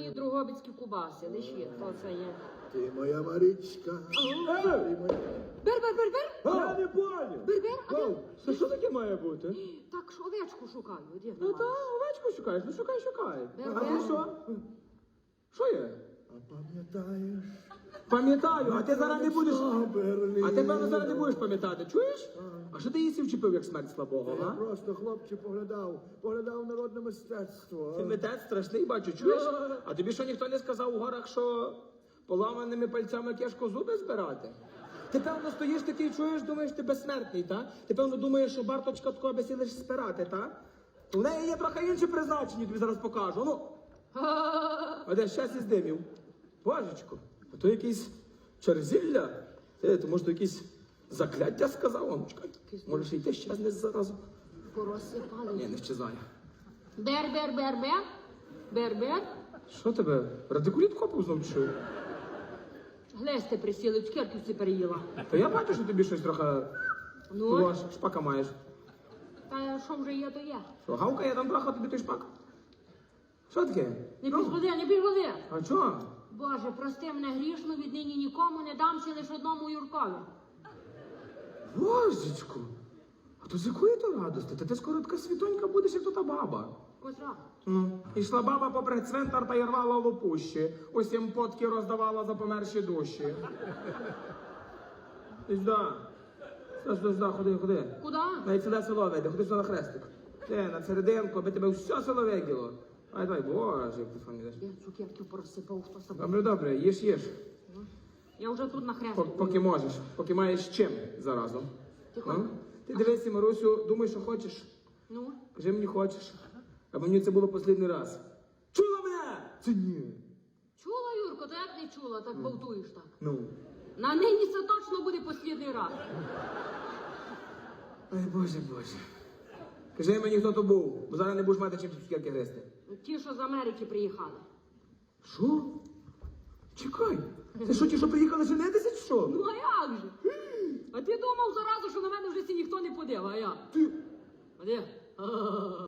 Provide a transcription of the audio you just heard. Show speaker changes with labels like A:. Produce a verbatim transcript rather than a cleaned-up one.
A: мої другобицькі кубаси, лиші, то це є.
B: Ти моя Марічка. Ти моя...
A: Бер, бер, бер, бер!
C: Я не поняв.
A: Бер, бер, а де?
C: Це що таке має бути?
A: Так, ж овечку шукаю, де
C: Ну
A: вона?
C: та овечку шукаєш, ну шукай, шукай.
A: Бер,
C: А
A: бер.
C: ти що? Що є?
B: А пам'ятаєш?
C: Пам'ятаю, а ти зараз не будеш.
B: Берлін.
C: А ти, певно, зараз не будеш пам'ятати, чуєш? А що ти її вчепив, як смерть слабого,
B: Я
C: а?
B: просто, хлопче, поглядав, поглядав народне мистецтво.
C: Ти митець страшний, бачу, чуєш? А тобі що ніхто не сказав у горах, що поламаними пальцями кешко зуби збирати? Ти, певно, стоїш такий, чуєш, думаєш, ти безсмертний, та? Ти, певно, думаєш, що барточка такого би лиш спирати, та? У неї є трохи інші призначення, тобі зараз покажу, ну. А де щас із димів? Божечко, а то якийсь черзілля? Ти, то може то якісь закляття сказав, онучка? Може ще й те щезне заразу?
A: Порозсипали.
C: Ні, не щезає.
A: Бер, бер, бер, бер. Бер, бер.
C: Що тебе? Радикуліт копив знов чи що?
A: Глесте присіли, цукерки всі переїла.
C: Та я бачу, що тобі щось трохи
A: Ну,
C: того ж шпака маєш.
A: та що вже є, то є.
C: Що, гавкає там трохи тобі той шпак? Що таке?
A: Не
C: Ну,
A: підходи, не підходи.
C: а чого?
A: Боже, прости мене грішну, віднині нікому не дамся лише одному Юркові.
C: Божечку, а то з якої то радости? Та ти скоро така світонька будеш, як то та баба.
A: Котра?
C: Ну, ішла баба попри цвинтар та й рвала лопущі. Усім потки роздавала за померші душі. Ізда. Сюди, сюди, ходи, ходи.
A: Куда?
C: Навіть сюди село вийде, ходи сюди на хрестик. Ти, на серединку, аби тебе все село виділо. Ай, давай, боже, як ти фан йдеш.
A: Я цукерки порозсипав, хто собі.
C: Добре, добре, їж, їж.
A: Я вже тут на
C: Пок-
A: хрестику.
C: Поки можеш, поки маєш чим заразом.
A: Тихо.
C: Ну? Ти дивися, Марусю, думай, що хочеш.
A: Ну?
C: Кажи мені хочеш. Аби мені це було останній раз. Чула мене? Це ні.
A: Чула, Юрко, то як не чула, так болтуєш так.
C: Ну.
A: На нині це точно буде останній раз.
C: Ай, боже, боже. Кажи мені, хто то був, бо зараз не будеш мати чим цукерки гристи.
A: Ті, що з Америки приїхали.
C: Що? Чекай. Це що, ті, що приїхали женитися, чи що?
A: Ну а як же? А ти думав заразу, що на мене вже ці ніхто не подив, а я?
C: Ти...
A: А де?